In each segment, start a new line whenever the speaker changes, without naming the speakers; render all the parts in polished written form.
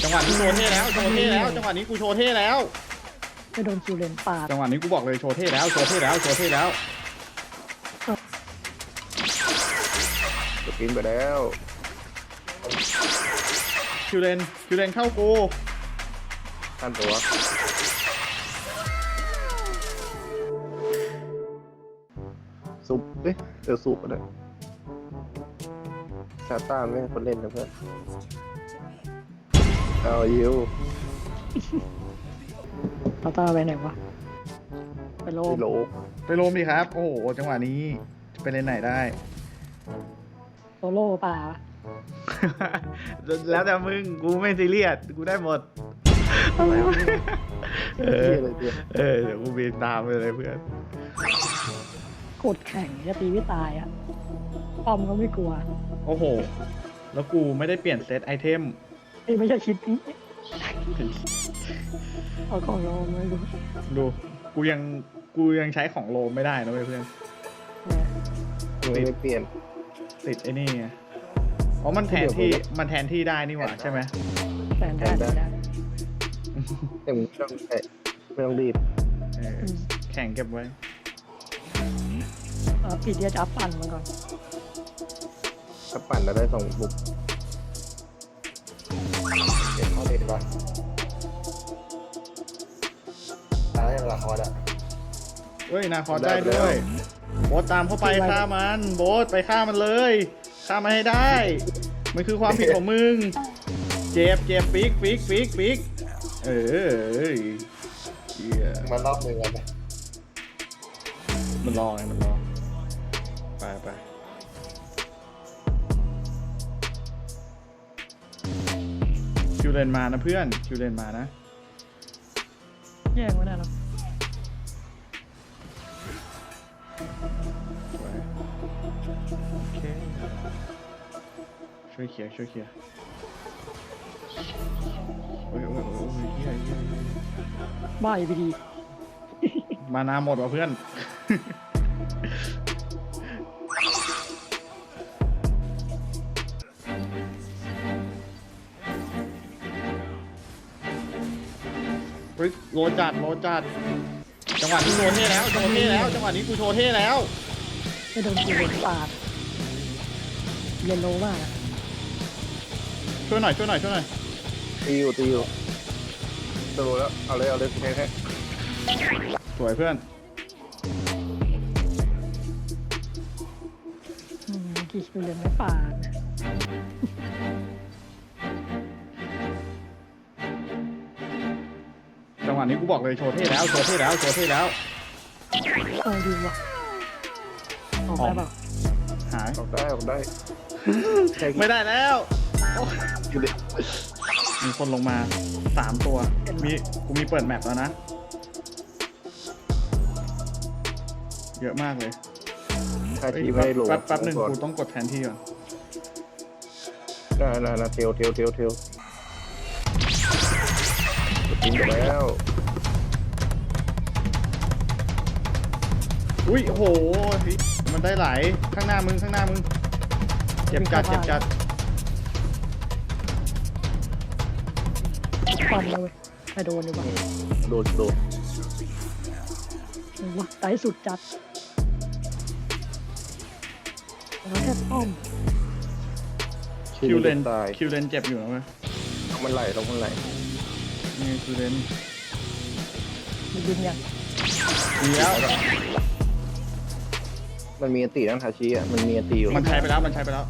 จังหวะนี้โชว์เท่แล้วโชว์เท่แล้วจังหวะนี้กูโชว์เท่แล้ว
จะโดนคิวเลนปาด
จังหวะนี้กูบอกเลยโชว์เท่แล้วโชว์เท่แล้วโชว์เท่แล้ว
จะกินไปแล้ว
คิวเลนเข้ากู
ท่านตัวซุปเดี๋ยวซุปก็ได้ซาต้าไม่ให้คนเล่นนะเพื่อนเอายิว
ตาตาไปไหนวะไปโล
ไม่
ม
โล
ไปโรมดิครับโอ้โหจังหวะนี้จะไปเล่นไหนได้
โซโล่ป่า
แล้วแต่มึงกูไม่ซีเรียสกูได้หมด
เที่ยอะไรเดียว
เดี๋ยวกูบินตามไปเลยเพื่อน
กดแข่งจะตีไม่ตายอ่ะป้อมก็ไม่กลัว
โอ้โหแล้วกูไม่ได้เปลี่ยนเซตไอเทม
ไม่ใช่คิดนี้เอาของโลมไม่รู้
ดูกูยังใช้ของโรมไม่ได้นะเว้ยเพื่อน
ไม่เปลี่ยน
ติดไอ้นี่ไงอ๋อมันแทนที่ได้นี่หว่าใช่ไหม
แฟนได้ได้
แต่มึงไม่ต้องรีบ
แข่งเก็บไว้
ปิดเดียจับปั่นมันก่อน
ถ้าปั่นแล้วได้2 บุกเก็บเข้าเด็ดก่อนตายแล้วละครอ่ะ
เฮ้ยนาคอได้ด้วยโบ๊ทตามเข้าไปฆ่ามันโบ๊ทไปฆ่ามันเลยฆ่ามันให้ได้มันคือความผิดของมึงเจ็บฟิกเหี้ย
มันรอบหนึ่งเลยนะ
มันรอไงมันรอไปคิวเลนมานะเพื่อนคิวเลนมานะ
แย่งไม่ได้หรอก
โอเคช่วยเคลียร์โอ้ยเหี้ย
บ้าอีพีดี
มานาหมดว่ะเพื่อน เฮ้ยโลจัดจังหวะนี้โชว์เท่แล้วจังหวะนี้กูโชว์เท่แล้ว
จะโดนคิวเลนปาดเยนโลมาก
ช่วยหน่อย
ตีอยู่โดนแล้วเอาเลยแค่
สวยเพื่อน
กี่คิวเลนไม่ปาด
จังหวะนี้กูบอกเลยโชว์เท่แล้ว
เอาดีว่ะออกได้เปล่า
หาย
ออกได้แค่
ไม่ได้แล้ว
อยู่ดิ
มีคนลงมา3 ตัวกูมีเปิดแมปแล้วนะเยอะมากเลย
ถ้าชีไม่ได้โหล
แป๊บหนึ่งกูต้องกดแทนที่ก่อน
น่าเทลกินไปแล้ว
อุ้ยโอ้โหมันได้ไหลข้างหน้ามึงเจ็บจัด
ปั่นเลยไปโดนดีกว่า
โดน
ว้าไตสุดจัดแล้วแค่ป้อม
คิวเลน
ตาย
เจ็บอยู่นะเว้ย
มันไหล
นี่คิวเลน
มันยิงอย่าง
ดีแล้ว
มันมีอตินั่งทาชิอ่ะมันมีอติอยู่
มันใช้ไปแล้ว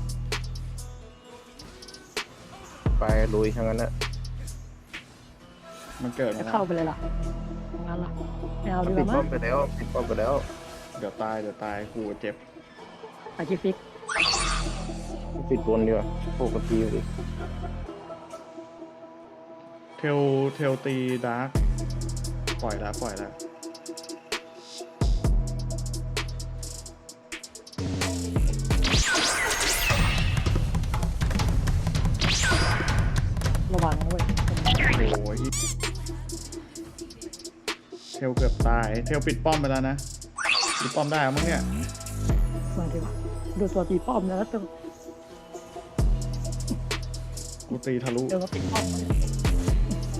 ไปลุยทั้งนั้นนะ
มันเกิด
จะ
มา
เข้าไปเลยล่ะงั้นล่ะไม่เอาดีก
ปิด
ว่า
ป้อ
มั้
ม
ง
ไปแล้ว
เดี๋ยวตายกูเจ็บ
ไปจิฟิก
ปิดบนดีกว่าปกติอยู่ดิ
เทลตีดาร์กปล่อยแล้ว
ระวังนะเว้ย
โอ้ยเทลเกือบตายเทลปิดป้อมไปแล้วนะปิดป้อมได้มั้งเนี่ย
มาดีกว่าดูตัวตีป้อมนะแล้วตัว
กูตีทะลุ
เดี๋ยวก็ปิดป้อมมาเนี่ย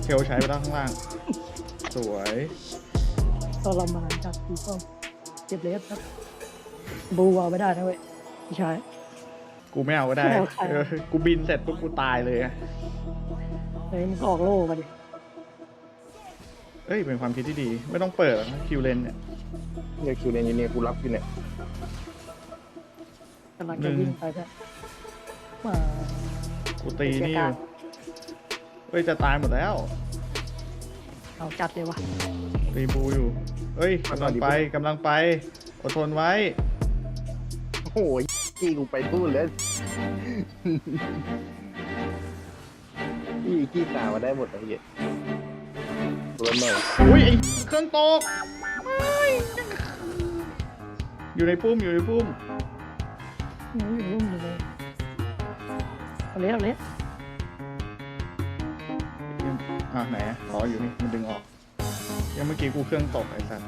เทลใช้ไปแล้วข้างล่าง สวย
ทรมานจัดตีป้อมเจ็บเล็บครับบูเอาไม่ได้นะเว้ยพี่ชาย
กูไม่เอาก็ได้
ไม่เอาใคร
กูบินเสร็จปุ๊บกูตายเลยอะ
เฮ้ยมึงก็ออกโล่มาดิ
เอ้ยเป็นความคิดที่ดี ไม่ต้องเปิดหรอกนะคิวเลนเนี่ย
เนี่ยคิวเนี่ยเนี่ยกูรับอยู่เนี่ย
กำลังจะวิ่งไปเนี่ยมา
กูตีนี่อยู่เอ้ยจะตายหมดแล้ว
เอาจัดเลยวะ
ตีบูอยู่เอ้ยกำลังไปกำลังไปอดทนไว้
โอ้โหกี้กูไปตู้เลยกี้ตามาได้หมดเลยเหี้ยตัวหน่อย
อุ้ยไอเครื่องตกไม่อยู่ในปุ้มอยู่ในปุ้ม
นี่อยู่รุ่มอยู่เลยเอาเละเอาเละ
อ่ะไหนอะอ๋ออยู่นี่มันดึงออกยังเมื่อกี้กูเครื่องตกไอ้สัส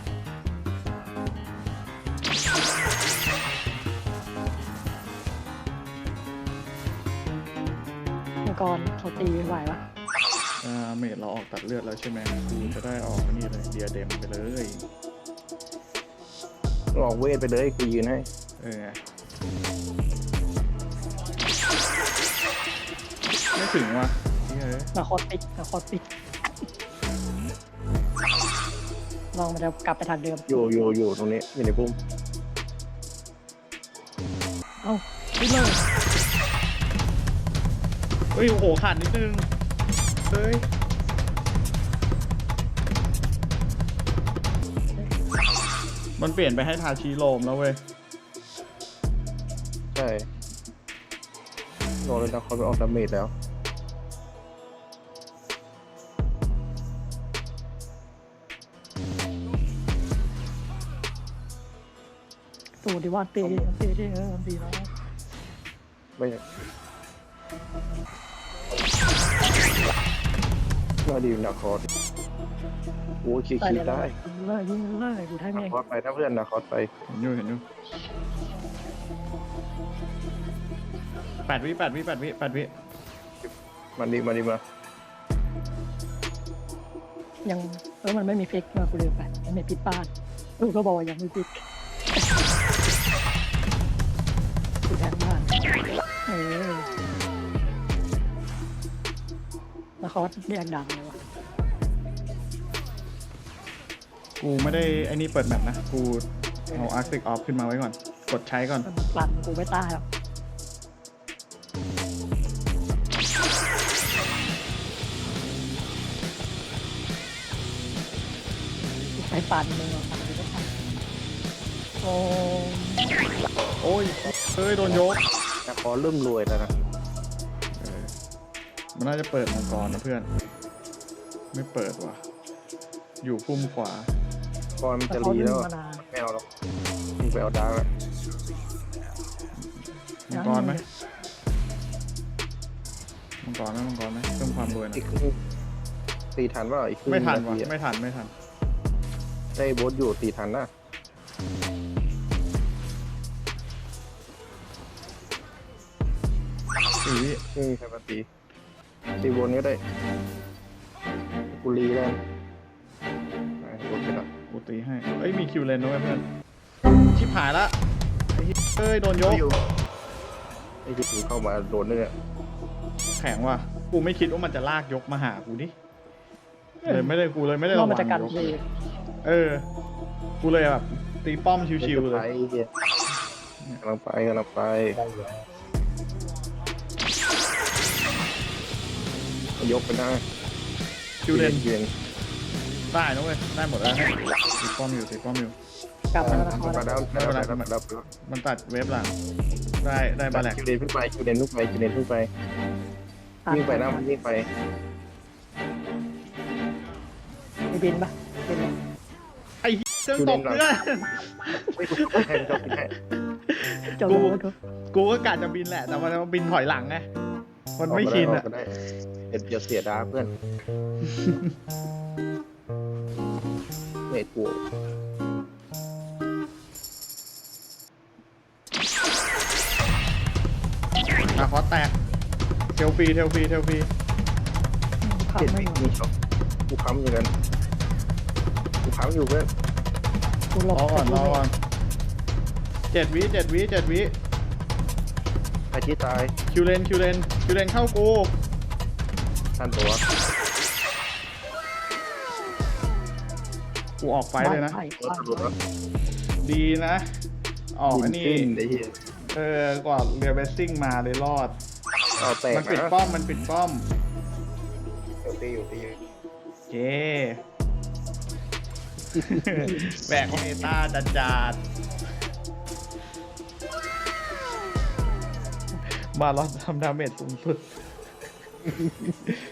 มังกรเขาตีไหวปะ
เมดเราออกตัดเลือดแล้วใช่ไหมกูจะได้ออกนี่เลยเดียเดมไปเลย
ออกเวทไปเลยกูยืนให้
ไม่ถึงว่ะเฮ้ย
นาคอปิดนาคอปิดลองมันจะกลับไปทางเดิม
อยู่ตรงนี้อยู่ในพุ่ม
เอ้าขึ้นเลย
เฮ้ยโอ้โหขาดนิดนึงเฮ้ยมันเปลี่ยนไปให้ทาชีโรมแล้วเว้ย
ใช่รอเลยนะเขาไปออกดาเมจแล้ว
ตูดิว่าตีตีที่มันดีแล้ว
ไม่น่าดีนาคอร์ดโอ้คิด
ตายเลย
ได้
ยิงเลยกูได้
นา
เอง
คอร์ดไปถ้าเพื่อนนาคอร์ดไป
เห็นอยู่8 วิ
มันดีมา
ยังมันไม่มีฟิกมากูลืมไปมันไม่ปิดบ้านกูก็บอกว่ายังไม่ปิดกูแทนบ้านแล้วเขาเรียกดังเลยวะ
กูไม่ได้ไอ้นี่เปิดแมปนะกูเอาอาร์ติกออฟขึ้นมาไว้ก่อนกดใช้ก่อน
มันปั่นกูไม่ตายหรอกไปปั่นมึงอ่ะปั่นกูไม่ทันโอ้
โอ้ยเฮ้ยโดนยก
นาคอร์ดเริ่มรวยแล้วนะ
มันน่าจะเปิดมังกรนะเพื่อนไม่เปิดว่ะอยู่พุ่มขวา
ก่อนมัน
แต่
จะ
เขา
รี
ดึ
แล้ว
ง
อะ
มานาน
ไม่เอาหรอกมึงไปเอาดาร์กแล้ว
มังกรไหมเพิ่มความรวยหนะ
อีกครึ่งตีทันว่าอีกครึ่ง
ไม่ทัน
นา
ว่ะ
ทีอะ
ไม่ทัน
ได้โบสอยู่ตีทันนะ
สี่วิ
ไม่มีใครมาตีบนก็ได้กูรีแล้วไปบนไปละ
กูตีให้เอ้ยมีคิวเลนด้วยเพื่อนชิบหายละไอ้เหี้ยเอ้ยโดนยก
ไอ้ที่กูเข้ามาโดนเนี่ย
แข็งว่ะกูไม่คิดว่ามันจะลากยกมาหากูดิเลยไม่ได้ระ
ร
วั
อบ
ง
มันจะกัน
ยก
เลย
กูเลยแบบตีป้อมชิวๆเล
ไป
ย
เหี้ยกำลังไปยกไปได้
คิวเลน
เย็น
ได้นะเว้ยได้หมดแล้วตีป้อมอยู่
กลับมาแล้วนะ
มาแล้ว
มันตัดเวฟหลังได้บาแลก
คิวเดนขึ้นไปวิ่งไปนะมันวิ่งไป
มีบินปะบินเลย
ไอ้เหี้ยเครื่องตกเพื่อน
ไม่ถูกแทงจบแค่
จบ
กู
แล้ว
กูก็กะจะบินแหละแต่มันบินถอยหลังไงมันไม่ชินอ่ะ
เดี๋ยวเสียดาเพื่อนเมทกู
คอแตกเทลฟรี
ขา
เจ็ดวิมีช็อตกูค้ำอยู่กันกูค้ำอยู่เพื่อน
กูหล
ร
บ
อก่อนรอก่อน7 วิ 7 วิ 7 วิ
ไอ้ที่ตาย
คิวเลนเข้ากู
ทันตัว
กูออกไฟเลยนะ
ไผ่
รถหลุดแล้ว
ดีนะ ออกอันนี้
สิ้นไอ้เหี้ย
กว่าเรือเบสซิ่งมาเลยรอด
เอาแตก
มันปิดป้อม มันปิดป้อม
ตีอยู่
เจ แบกเมตาจัดๆมาลอดทำดาเมจสูงสุด